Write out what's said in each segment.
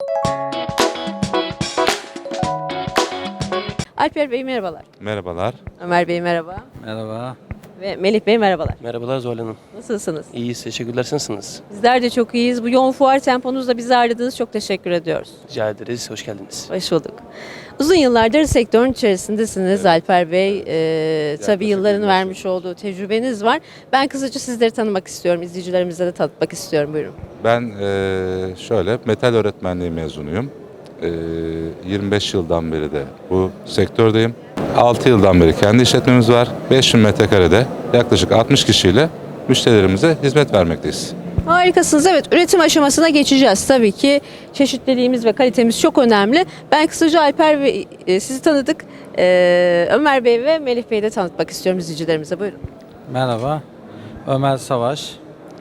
Alper Bey merhabalar. Merhabalar. Ömer Bey merhaba. Merhaba. Ve Melih Bey merhabalar. Merhabalar Zuhal Hanım. Nasılsınız? İyiyiz, teşekkürler. Siz nasılsınız? Bizler de çok iyiyiz. Bu yoğun fuar temponuzda bizi ağırladığınız çok teşekkür ediyoruz. Rica ederiz, hoş geldiniz. Hoş bulduk. Uzun yıllardır sektörün içerisindesiniz Alper Bey. Tabii yılların 25 vermiş olduğu tecrübeniz var. Ben kısaca sizleri tanımak istiyorum. İzleyicilerimize de tanıtmak istiyorum. Buyurun. Ben şöyle metal öğretmenliği mezunuyum. 25 yıldan beri de bu sektördeyim. 6 yıldan beri kendi işletmemiz var. 5000 metrekarede yaklaşık 60 kişiyle müşterilerimize hizmet vermekteyiz. Harikasınız. Evet, üretim aşamasına geçeceğiz. Tabii ki çeşitliliğimiz ve kalitemiz çok önemli. Ben kısaca Alper Bey sizi tanıdık. Ömer Bey ve Melih Bey'i de tanıtmak istiyorum izleyicilerimize. Buyurun. Merhaba. Ömer Savaş.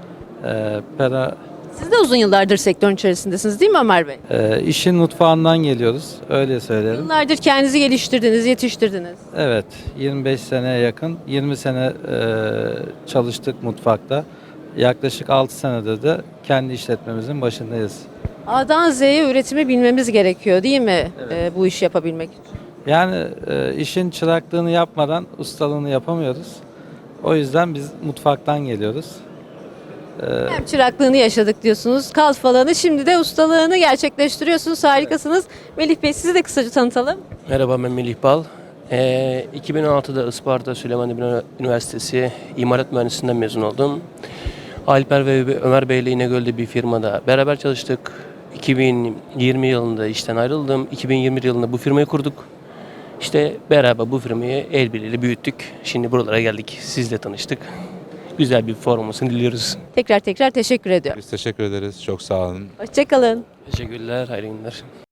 Siz de uzun yıllardır sektörün içerisindesiniz değil mi Ömer Bey? İşin mutfağından geliyoruz. Öyle söylerim. Yıllardır kendinizi geliştirdiniz, yetiştirdiniz. Evet. 25 seneye yakın. 20 sene çalıştık mutfakta. Yaklaşık 6 senedir de kendi işletmemizin başındayız. A'dan Z'ye üretimi bilmemiz gerekiyor değil mi? Bu işi yapabilmek için. Yani işin çıraklığını yapmadan ustalığını yapamıyoruz. O yüzden biz mutfaktan geliyoruz. Hem çıraklığını yaşadık diyorsunuz, kalfalığını, şimdi de ustalığını gerçekleştiriyorsunuz. Harikasınız. Melih Bey sizi de kısaca tanıtalım. Merhaba, ben Melih Bal. 2016'da Isparta Süleyman Demirel Üniversitesi İmalat Mühendisliğinden mezun oldum. Alper ve Ömer Bey ile İnegöl'de bir firmada beraber çalıştık. 2020 yılında işten ayrıldım. 2021 yılında bu firmayı kurduk. İşte beraber bu firmayı el birliğiyle büyüttük. Şimdi buralara geldik. Sizle tanıştık. Güzel bir fuar olmasını diliyoruz. Tekrar teşekkür ediyorum. Biz teşekkür ederiz. Çok sağ olun. Hoşçakalın. Teşekkürler, hayırlı günler.